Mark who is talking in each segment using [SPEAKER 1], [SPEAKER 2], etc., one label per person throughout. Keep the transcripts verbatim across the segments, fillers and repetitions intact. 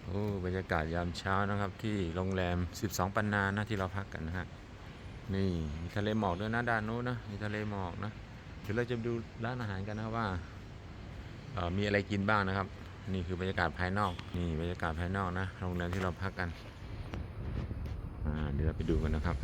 [SPEAKER 1] โอ้บรรยากาศยามเช้านะครับที่โรงแรมสิบสองปันนานะที่เราพักกันนะฮะนี่มีทะเลหมอกด้วยนะด้านนู้นนะมีทะเลหมอกนะเดี๋ยวเราจะดูร้านอาหารกันนะว่าเอ่อมีอะไรกินบ้างนะครับนี่คือบรรยากาศภายนอกนี่บรรยากาศภายนอกนะโรงแรมที่เราพักกันอ่าเดี๋ยวเราไปดูกันนะครับ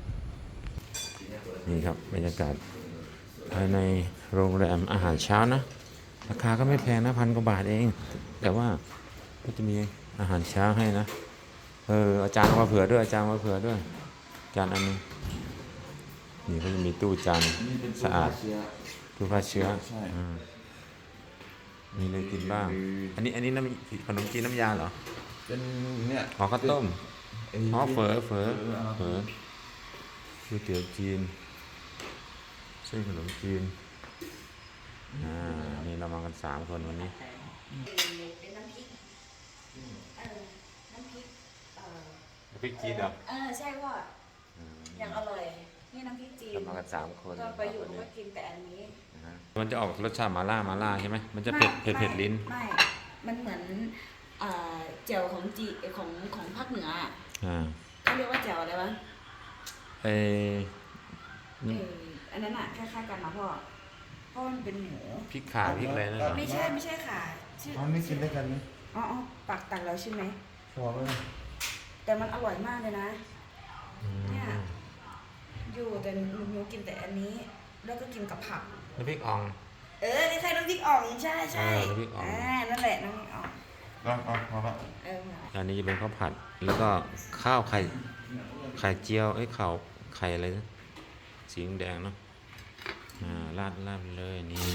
[SPEAKER 1] นี่ครับบรรยากาศภายในโรงแรมอาหารเช้านะราคาก็ไม่แพงนะพันกว่าบาทเองแต่ว่าก็จะมีอาหารเช้าให้นะเอออาจารย์มาเผื่อด้วยอาจารย์มาเผื่อด้วยจานอันนึงนี่ก็จะมีตู้จาน
[SPEAKER 2] นี่เป็น
[SPEAKER 1] สะอาด
[SPEAKER 2] เชื้อ
[SPEAKER 1] ตู้ฆ่าเชื้อ
[SPEAKER 2] ใช่
[SPEAKER 1] อ่ามีอะไรกินบ้างอันนี้อันนี้น้ำขนมจีนน้ำยาเหรอ
[SPEAKER 2] เป็นเนี่ย
[SPEAKER 1] อ๋อข้าวต้ม
[SPEAKER 2] ไอ้
[SPEAKER 1] อ๋อเฝอเฝอเฝอ
[SPEAKER 2] เออ
[SPEAKER 1] ก๋วยเตี๋ยวจีนเส้นขนมจีนอ่านี่เรามากันสามคนวันนี้
[SPEAKER 3] เป็นน้ำพริกเออน้ำพริกเออ
[SPEAKER 1] พริกจีนเหรอ
[SPEAKER 3] เออใช่พ่ออย่างอร่อยนี่น้ำพริกจีน
[SPEAKER 1] เรามากันสามคน
[SPEAKER 3] ก็ไปอยู่ก็กินแต่อันนี้
[SPEAKER 1] มันจะออกรสชาติมาล่ามาล่าใช่ไหมมันจะเผ็ดเผ็ดเผ็ดลิ้น
[SPEAKER 3] ไม่มันเหมือนเจียวของจีของของภาคเหนือ
[SPEAKER 1] อ่า
[SPEAKER 3] เขาเรียกว่าเจียวอะไรวะ
[SPEAKER 1] เออ
[SPEAKER 3] อันนั้นอ่ะคล้ายๆกันนะพ่อเพราะมันเป็นหมู
[SPEAKER 1] พริกข่าพริกอะไรนั่นเหรอ
[SPEAKER 3] ไม่ใช่ไม่ใช่ค่ะ
[SPEAKER 2] อ๋อไม่กินด้วยกันไหม
[SPEAKER 3] อ๋อปักตักแล้วใช่ไหม
[SPEAKER 2] พอไหม
[SPEAKER 3] แต่มันอร่อยมากเลยนะเนี่ยอยู่แต่หนูกินแต่อันนี้แล้วก็กินกับผัก
[SPEAKER 1] น้ำพริกอ่อง
[SPEAKER 3] เออนี่ใช่น้ำพริกอ่องใช่ใช่
[SPEAKER 1] น้ำพริกอ่อง
[SPEAKER 3] อ่านั่นแหละน้ำพริกอ่อง
[SPEAKER 2] อ๋ออ๋อพอละ
[SPEAKER 3] เออ
[SPEAKER 1] อันนี้จะเป็นข้าวผัดแล้วก็ข้าวไข่ไข่เจียวไอ้ข้าวไข่อะไรนะสีแดงเนาะอ่าราดราดเลยนี่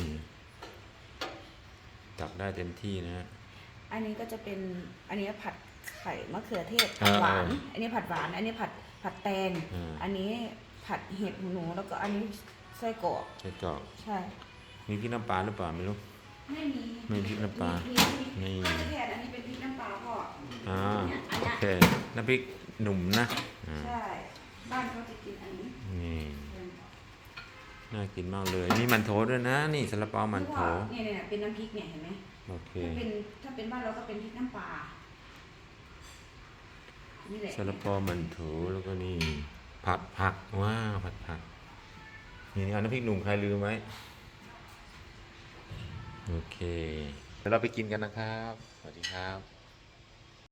[SPEAKER 1] ตักได้เต็มที่นะฮะ
[SPEAKER 3] อันนี้ก็จะเป็นอันนี้ผัดไข่มะเขือเทศผัดหวานอันนี้ผัดหวานอันนี้ผัดผัดแตงอันนี้ผัดเห็ดหนูแล้วก็อันนี้ไส้กรอก
[SPEAKER 1] ไส้กรอก
[SPEAKER 3] ใช่
[SPEAKER 1] มีพริกน้ำปลาหรือเปล่าไม่รู้
[SPEAKER 3] ไม่มี
[SPEAKER 1] ไม่พริกน้ำปลา
[SPEAKER 3] นี่แทนอันนี้เป็นพริกน้ำปลาพ่อ
[SPEAKER 1] อ่าโอเคน้ำพริกหนุ่มนะ
[SPEAKER 3] ใช่บ้านเขาจะกินอันนี้
[SPEAKER 1] นี่น่ากินมากเลยมีมันโถด้วยนะนี่ซาลาเปามันโถ
[SPEAKER 3] เนี่ยเนี่ยเป็นน้ำพริกเนี่ยเห็นไหม
[SPEAKER 1] โอเค
[SPEAKER 3] ถ้าเป็นถ้าเป็นบ้านเราก็เป็นพริกน้ำปลานี่แหละ
[SPEAKER 1] ซาลาเปามันโถแล้วก็นี่ผัดผักว้าวผัดผักนี่นี่เอาน้ำพริกหนุ่มใครลืมไหมโอเคเดี๋ยวเราไปกินกันนะครับสวัสดีครับ